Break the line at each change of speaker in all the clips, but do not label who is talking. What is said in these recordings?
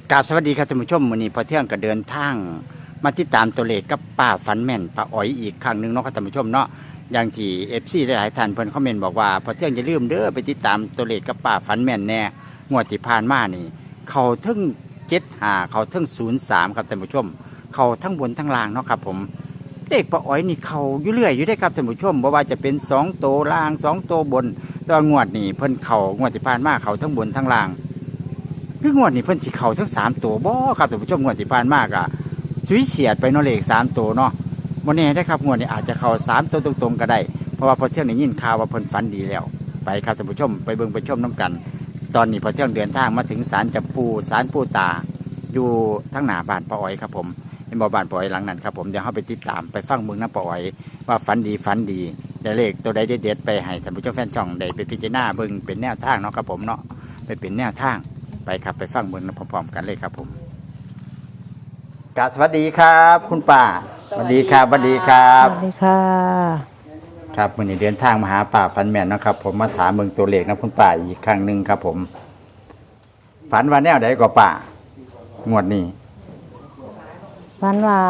กราบสวัสดีครับท่านผู้ชมวันนี้พอเที่ยงก็เดินทางมาติดตามตัวเลขกับป้าฝันแม่นป้าอ๋อยอีกครั้งหนึ่งเนาะครับท่านผู้ชมเนาะอย่างที่FCหลายๆท่านเพิ่นคอมเมนต์บอกว่าพอเที่ยงอย่าลืมเด้อไปติดตามตัวเลขกับป้าฝันแม่นแน่งวดที่ผ่านมานี่เขาทั้ง75เขาทั้ง03ครับท่านผู้ชมเขาทั้งบนทั้งล่างเนาะครับผมเลขป้าอ๋อยนี่เขาอยู่เรื่อยอยู่ได้ครับท่านผู้ชมบ่ว่าจะเป็น2ตัวล่าง2ตัวบนแตอนงวดนี้เพิ่นเขางวดที่ผ่านมาเขาทั้งบนทั้งล่าง คืองวดนี้เพิ่นสิเข้าทั้ง3 ตัวบ่ครับท่านผู้ชมงวดที่ผ่านมากอะสุยเฉียดไปเนาะเลข3 ตัวเนาะบ่แน่ได้ครับงวดนี้อาจจะเข้า3 ตัวตรงๆก็ได้เพราะว่าพอเที่ยงได้ยินข่าวว่าเพิ่นฝันดีแล้วไปครับท่านผู้ชมไปเบิ่งไปชมน้ำกันตอนนี้พอเที่ยงเดินทางมาถึงศาลจับปูศาลปู่ตาอยู่ทั้งหน้าบ้านป้าอ้อยครับผมเห็นบ่บ้านป้าอ้อยหลังนั้นครับผมเดี๋ยวเฮาไปติดตามไปฟังเบิ่งนำป้าอ้อยว่าฝันดีได้เลขตัวใดเด็ดๆไปให้ท่านผู้ชมแฟนช่องได้ไปพิจารณาเบิ่งเป็นแนวทางเนาะครับผมเนาะไปเป็นแนวทาง ไปครับไปฟังเมืองพร้อมๆกันเลยครับผมกราบสวัสดีครับ คุณป้าสวัสดีครับสวัสดีครับ
สวัสดีค่ะ
ครับวันนี้เดินทางมาหาป้าฝันแม่นนะครับผมมาถามเมืองตัวเลขนะคุณป้าอีกครั้งหนึ่งครับผมฝันว่าแนวใดก็ป้างวดนี้
ฝันว่า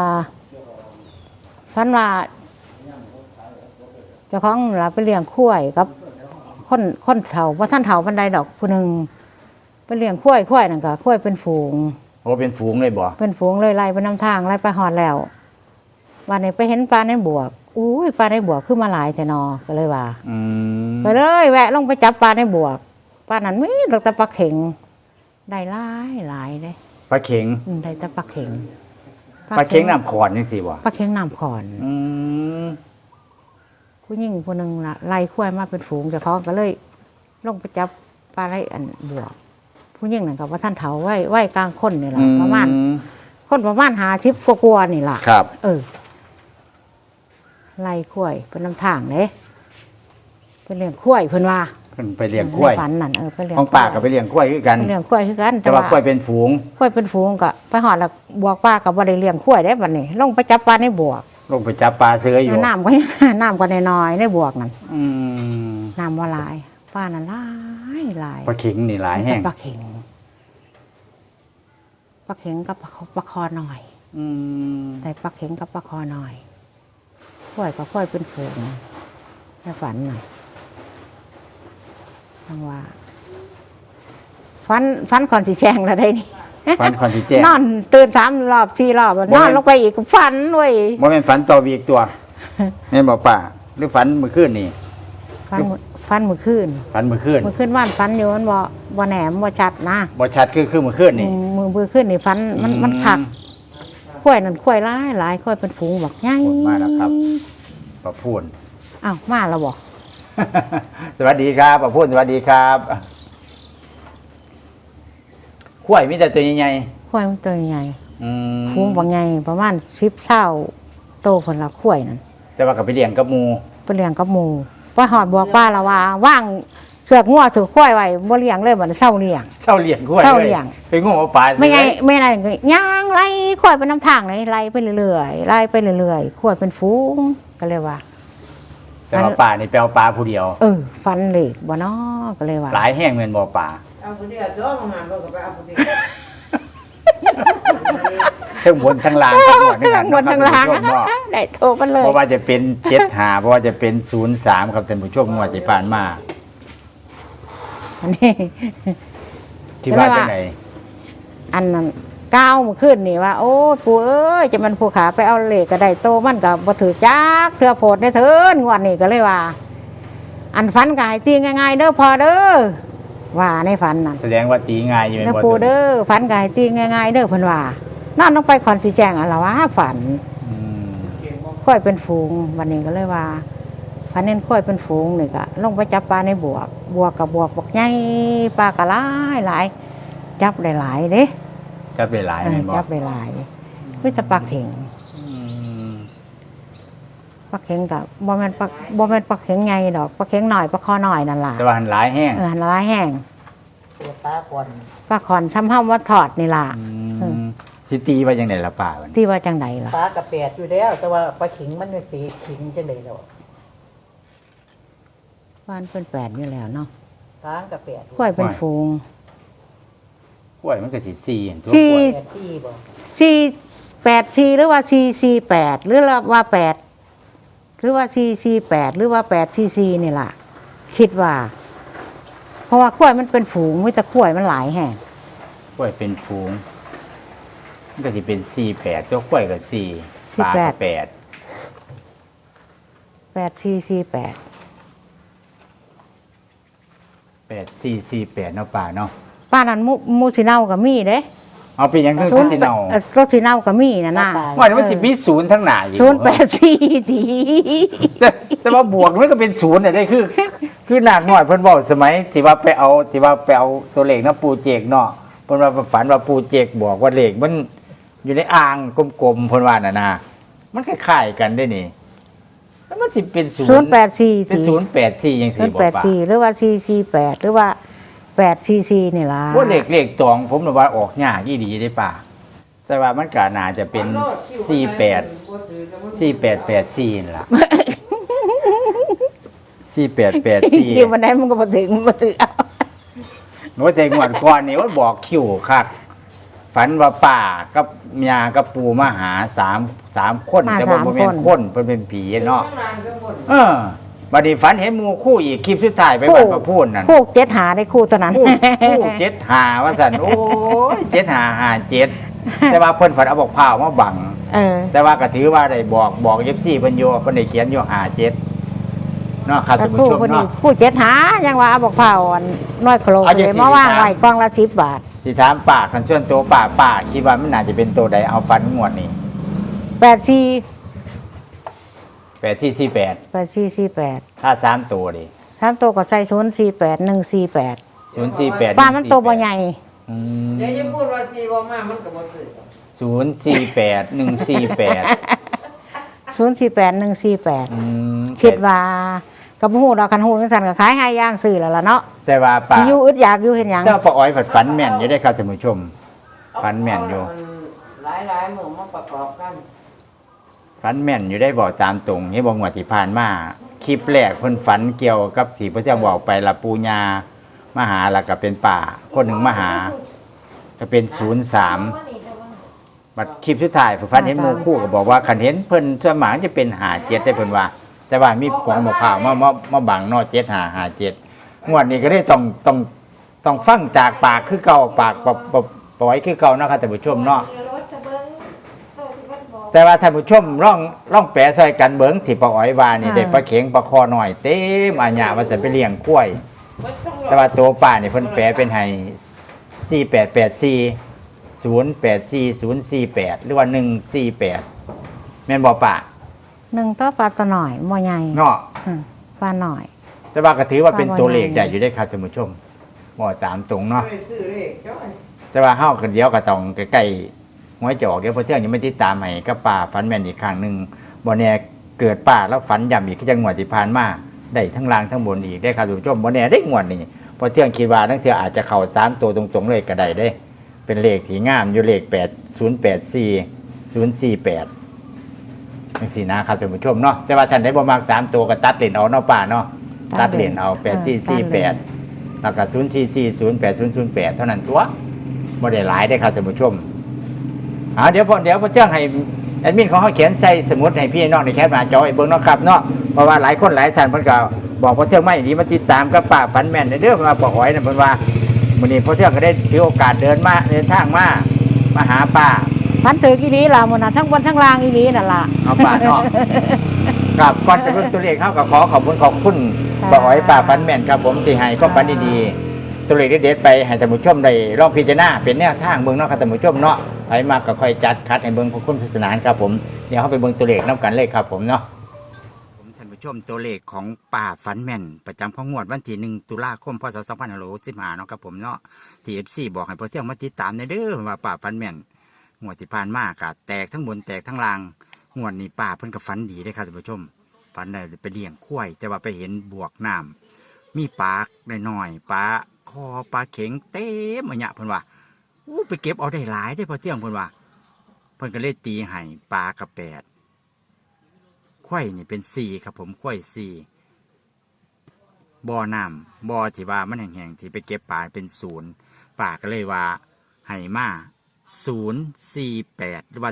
เจ้าของเราไปเลี้ยงข้วยกับคนเฒ่าว่าท่านเฒ่าบันไดดอกผู้หนึ่งไปเลี้ยงข้วยนั่นก็ข้วยเป็นฝูง
โอ้เป็นฝูงเลยบ่
เป็นฝูงเลยไล่ไปน้ำทางไล่ไปหอดแล้ววันนี้ไปเห็นปลาในบวกอุ้ยปลาในบวกขึ้นมาหลายแต่นอก็เลยว่าก็เลยแวะลงไปจับปลาในบวกปลานั้นมีแต่ปลาเข็งได้หลายเลย
ปลาเข็ง
ได้แต่ปลาเข็ง
น้ำขอนนี่สิบ่
ปลาเข็งน้ำขอนผู้หญิงคนหนึ่งละไล่ข้วยมาเป็นฝูงเจ้าของก็เลยลงไปจับปลาไหลอันบวกผู้หญิงนั่นกับว่าท่านเฒ่าไหวกลางคนนี่แหละประมาณ50 กว่านี่แหละ
ครับ
ไล่ข้วยเป็นน้ำทางเลยเป็นเลี้ยงข้วยเพิ่นว่า
เพิ่นไปเลี้ยงข้วย
ฝันนั่นไปเลี้ยง
ของป้าก็ไปเลี้ยงข้วยคือกัน
เลี้ยงข้วยคือกัน
แต่ว่าข้วยเป็นฝูง
ก็ไปหอดแล้วบวกปลากับบ่ได้เลี้ยงข้วยได้บัดนี้ลงไปจับปลาในบวก
ลงไปจับปลาเสืออยู่
น้ำก็น้อยในบวกนั่นน้ำว่าหลายปลานั่นหลาย
ปลาเข็งนี่หลายแห้ง
ปลาเข็งกับปลาคอหน่อยแต่ปลาเข็งกับปลาคอหน่อยข้วยก็ข้วยเป็นฝูงในฝันน่ะทั้งว่าฝันก่อนสิแจ้งแล้วได้นี่
ฝันก่อนสิแจ้ง
นอนตื่น3 รอบ 4 รอบนอนลงไปอีกฝันเว้ย
บ่แม่นฝันต่ออีกตัวแม่นบ่ป้าหรือฝันเมื่อคืนนี่
ฝันเมื่อคืนว่านฝันอยู่มันบ่แหนมบ่ชัดนะ
บ่ชัดคือเมื่อคืนนี่
มือคืนนี่ฝันมันคักข้วยนั่นข้วยหลายข้วยเป็นฝูงบักใหญ่
มาแล้วครับป้าพูน
อ้าวมาแล้วบ่
สวัสดีครับป้าพูนสวัสดีครับข้วยมีแต่ตัวใหญ่
ๆข้วยมันตัวใหญ่ฝูงบักใหญ่ประมาณ10 เท่าโตเพิ่นละข้วยนั่น
แต่ว่าก็ไปเลี้ยงกับหมู่
ไปหอดบวกป้าละว่าว่างเสือกงัวถือข้วยไว้บ่เลี้ยงเลยบัดเช้าเลี้ยง
ข้วยไปง้อปลา
ไม่ไงย่างไล่ข้วยไปน้ำทางเลยไล่ไปเรื่อยข้วยเป็นฝูงก็เลยว่า
แต่ว่าป่านี่แปลว่าปลาผู้เดียว
ฟันเหล็กบ่น้อก็เลยว่า
หลายแห้งเหมือนบ่อป่า
เอาผู้เดียวจ้อมาหาบ่ก็ไปเอาผู้เดียว
ทั้งบนทั้งล่าง
ทั้งบนทั้งล่างได้โทรกันเลย
เพราะว่าจะเป็น75เพราะว่าจะเป็น03ครับท่านผู้ชมงวดที่ผ่านมา
อันนี้
ที่ว่าจังได๋
อันนั้นก้าวมาขึ้นนี่ว่าโอ้ปู่เอ้ยจะมันผู้ขาไปเอาเหล็กก็ได้โตมันก็บ่ถือจักเสื้อโพดได้เถินงวดนี้ก็เลยว่าอันฝันก็ให้ตีง่ายๆเด้อพอเด้อว่าในฝันน่ะ
แสดงว่าตีง่ายอยู่แม่นบ่
ปู่เด้อฝันก็ให้ตีง่ายๆเด้อเพิ่นว่านอนลงไปคอนสิแจ้งอะล่ะว่าฝันค่อยเป็นฝูงวันนี้ก็เลยว่าฝันเน้นค่อยเป็นฝูงนี่ก็ลงไปจับปลาในบวกกับบวกบักใหญ่ปลาก็หลายจับได้หลายเด้
จับได้หลายแม่นบ่
จับได้หลายคือแต่ปลาเข็งกับบ่แม่นปลาเข็งใหญ่ดอกปลาเข็งหน่อยปลาคอหน่อยนั่นล่ะ
แต่ว่าหลายแห้ง
หลายแห้งปลาขอนซ้ำเฮาว่าทอดนี่ล่ะ
สิตีว่าจังได๋ล่ะป้า
ตีว่าจังไดล่ะ
ปลากระแปดอยู่แล้วแต่ว่าปลาขิงมันเป็นสีขิงจังได๋แล้ว
บ้านเป็น8อยู่แล้วเนาะ
ปลากระแปด
ข้วยเป็นฝูง
ล้วยมันก็สิ4เห็นตัว
สี่
กล้วย
แปดสี่บ่
484หรือว่า448หรือว่า8หรือว่า448หรือว่า844นี่ล่ะ คิดว่า เพราะว่ากล้วยมันเป็นฝูงมีแต่กล้วยมันหลายแห่ง
กล้วยเป็นฝูงมันก็สิเป็น48ตัวกล้วยก็4ปลาก็8
8448
8448เนาะป่าเนาะ
ป้านั้นมูสิเน่ากับมีเด้
เอาเป็นหยังคือสิเนา
ก็สิเน่ากับมีน่ะนะ
ว่ามันสิมี0ทั้งหน้าอยู่
084ที
แต่ว่าบวกมันก็เป็น0น่ะได้คือหนักหน่อยเพิ่นเว้าสมัยที่ว่าไปเอาตัวเลขนะปูเจกเนาะเพิ่นว่าฝันว่าปูเจกบอกว่าเลขมันอยู่ในอ่างกลมๆเพิ่นว่าน่ะนะมันคล้ายๆกันได้นี่แล้วมันสิเป็น0
084
เป็น
ที
084จังซี่บ่ป่ะ
084หรือว่า448หรือว่า844นี่ล่ะ
ว่าเลขตองผมน่ะว่าออกยากอีดีได้ป่ะแต่ว่ามันก็น่าจะเป็น48 4884นั่นล่ะ4884
คิวมันได้มันก็บ่ถึงบ่ถึงเอา
โน้ตแต่งวดก่อนนี่ว่าบอกคิวคักฝันว่าป่ากับเมียกับปูมาหา3คนแต่ว่าบ่แม่นคนเพิ่นเป็นผีเนาะบัดนี้ฝันเห็นหมู่คู่อีกคลิปสุดท้ายไปบ้านประพูนนั่น
คู่7หาได้คู่เท่านั้น
คู่75ว่าซั่นโอ้ย7557แต่ว่าเพิ่นฝันเอาบอกพร้าวมาบัง แต่ว่าก็ถือว่าได้บอก FC เพิ่นอยู่เพิ่นได้เขียนอยู่57เนาะครับท่านผู้
คู่
ชม
พอดี
เนาะ
คู่7หายังว่าเอาบอกเผาอันน้อยโคโล
เอาจัง
เลย
สิ
มาว่าง
ถาม
ไว้กล่องละ10 บาท
สิถามป่าคันส่วนตัวป่าคิดว่ามันน่าจะเป็นตัวใดเอาฟันงวดนี้
84
8448ถ้า3ตัวดิ
3ตัวก็ใส่048 148
048
ป้ามันตัวบ่ใหญ่
เดี๋ยวจะพูดว่าซีบ่มามันก็บ่ซื้อ
048 148
048 148คิดว่ากับฮู้ดอกคันฮู้จังซั่นก็ขายให้ย่างซื้อแล้วล่ะเนาะ
แต่ว่าป่า
สิอยู่อึดอยากอยู่เฮ็ดหยัง
เจ้าป้าอ้อยผัดฝันแม่นอยู่ได้ครับท่านผู้ชมฝันแม่นอยู่
หลายๆมื้อมาประกอบกัน
ฝันแม่นอยู่ได้บอกตามตรงนี่บอกงวดที่ผ่านมาคลิปแรกเพิ่นฝันเกี่ยวกับที่พระเจ้าบอกไปละปูญามาหาแล้วก็เป็นป่าคนหนึ่งมาหาก็เป็น03บัดคลิปสุดท้ายฝันเห็นหมู่คู่ก็บอกว่าคันเห็นเพิ่นส่วนมากจะเป็น57ได้เพิ่นว่า แต่ว่ามีกองมะพร้าวมาบังเนาะ7557งวดนี้ก็ได้ต้องฟังจากปากคือเก่าปากปล่อยคือเก่าเนาะครับท่านผู้ชมเนาะแต่ว่าท่านผู้ชมร่องแปะซอยกันเบิ่งที่ป้าอ้อยว่านี่ได้ปลาเข็งปลาคอหน่อยเต็มอาญาว่าจะไปเลี้ยงกล้วย แต่ว่าตัวป้านี่เพิ่นแปะเป็นให้4884 084048หรือว่า148แม่นบ่ป้า
1ต่อปลาตัวหน่อยบ่ใหญ่
เนาะ
ปลาหน่อย
แต่ว่าก็ถือว่าเป็นตัวเลขใหญ่อยู่ได้ครับท่านผู้ชมบ่ตามตรงเนาะ
ไปซื้อเลขจ้อย
แต่ว่าเฮาก็เดี๋ยวก็ต้องใกล้ๆหัวจอกเดี๋ยวพอเที่ยงยังไม่ติดตามให้กับป้าฝันแม่นอีกครั้งหนึงบ่แน่เกิดป้าแล้วฝันย้ำอีกคือจังหวัดที่ผ่านมาได้ทั้งล่างทั้งบนอีกได้ครับท่านผู้ชมบ่แน่ได้งวดนี้พอเที่ยงคิดว่าทั้งเที่ยอาจจะเข้า3ตัวตรงๆเลยก็ได้เด้ เป็นเลขที่งามอยู่เลข8084 048จังซี่นะครับท่านผู้ชมเนาะแต่ว่าท่านได้บ่มัก3ตัวก็ตัดเลนเอาเนาะป้าเนาะตัดเลนเอา8448แล้วก็0440808เท่านั้นตัวบ่ได้หลายได้ครับท่านผู้ชมเดี๋ยวพอเที่ยงให้แอดมินของเขาเขียนใส่สมุดให้พี่น้องในแคปหน้าจอไอ้เบิ่งเนาะครับเนาะเพราะว่าหลายคนหลายท่านเพิ่นก็บอกพอเที่ยงไม่ดีมาติดตามกับป้าฝันแม่นเด้อมาบอกอ้อยนั่นเพิ่นว่ามื้อนี้พอเที่ยงก็ได้ถือโอกาสเดินทางมาหาป้า
พันถืออีหลีล่ะมื้อน่ะทั้งบนทั้งล่างอีหลีนั่นล่ะ
เอาป้าเนาะครับก่อนจะเริ่มตัวเลขเข้ากับขอบคุณป้าอ้อยป้าฝันแม่นครับผมที่ให้ก็ฝันดีๆตัวเลขเด็ดๆไปให้ท่านผู้ชมได้ลองพิจารณาเป็นแนวทางเบิ่งเนาะครับท่านผู้ชมเนาะไปมากก็ค่อยจัดคัดให้เบิ่งผู้คุ้มสนุกสนานครับผมเดี๋ยวเข้าไปเบิ่งตัวเลขนํกันเลยครับผมเนาะผมท่านผู้ชมตัวเลขของป้าฝันแม่นประจำของงวดวันที่1ตุลาคมพศ2565เนาะครับผมเนาะที่ FC บอกให้พอเที่ยงมาติดตามเด้อว่าป้าฝันแม่นงวดที่ผ่านมาก็แตกทั้งบนแตกทั้งล่างงวดนี้ป้าเพิ่นก็ฝันดีเด้อครับท่านผู้ชมฝันได้ไปเลี้ยงควายแต่ว่าไปเห็นบวกน้ำมีปลาน้อยๆปลาคอปลาเข็งเต็มอะเนี่ยเพิ่นว่าไปเก็บเอาได้หลายได้พอเที่ยงเพิ่นว่าเพิ่นก็เลยตีให้ปลากับ8ควายนี่เป็น4ครับผมควาย4บ่อน้ำบ่อที่ว่ามันแห้งๆที่ไปเก็บปลาเป็น0ป่าก็เลยว่าให้มา048หรือว่า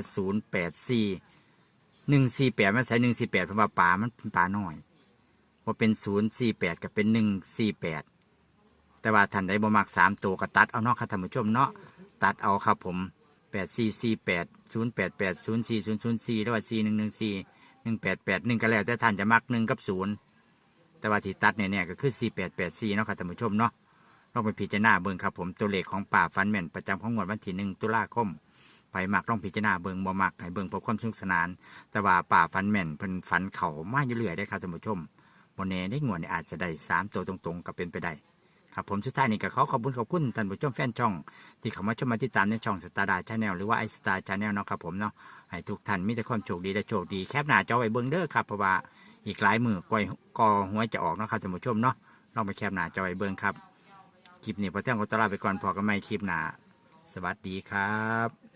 084 148มันใส่148เพราะว่าปลามันเป็นปลาน้อยว่าเป็น048กับเป็น148แต่ว่าท่านใดบ่มัก3ตัวก็ตัดเอาเนาะครับท่านผู้ชมเนาะตัดเอาครับผม8448 088 04004หรือว่า4114 1881ก็แล้วแต่ท่านจะมัก1กับ0แต่ว่าที่ตัดเนี่ยก็คือ4884เนาะครับท่านผู้ชมเนาะลองไปพิจารณาเบิ่งครับผมตัวเลขของป่าฟันแม่นประจำของงวดวันที่1ตุลาคมไปมักลองพิจารณาเบิ่งบ่มักให้เบิ่งเพื่อความสนุกสนานแต่ว่าป่าฟันแม่นเพิ่นฝันเข้ามาอยู่เรื่อยได้ครับท่านผู้ชมบ่แน่ได้งวดนี้อาจจะได้3ตัวตรงๆก็เป็นไปได้ครับผมสุดท้ายนี้ก็ขอบคุณท่านผู้ชมแฟนช่องที่เข้ามาชมมาติดตามในช่องสตาร์ดาชาแนลหรือว่าไอสตาร์ชาแนลเนาะครับผมเนาะให้ทุกท่านมีแต่ความโชคดีและโชคดีแคปหน้าจอไว้เบิ่งเด้อครับเพราะว่าอีกหลายมือก่อหัวจะออกเนาะครับท่านผู้ชมเนาะลองไปแคปหน้าจอไว้เบิ่งครับคลิปนี้พอเที่ยงก็ตลาไปก่อนพอกันใหม่คลิปหน้าสวัสดีครับ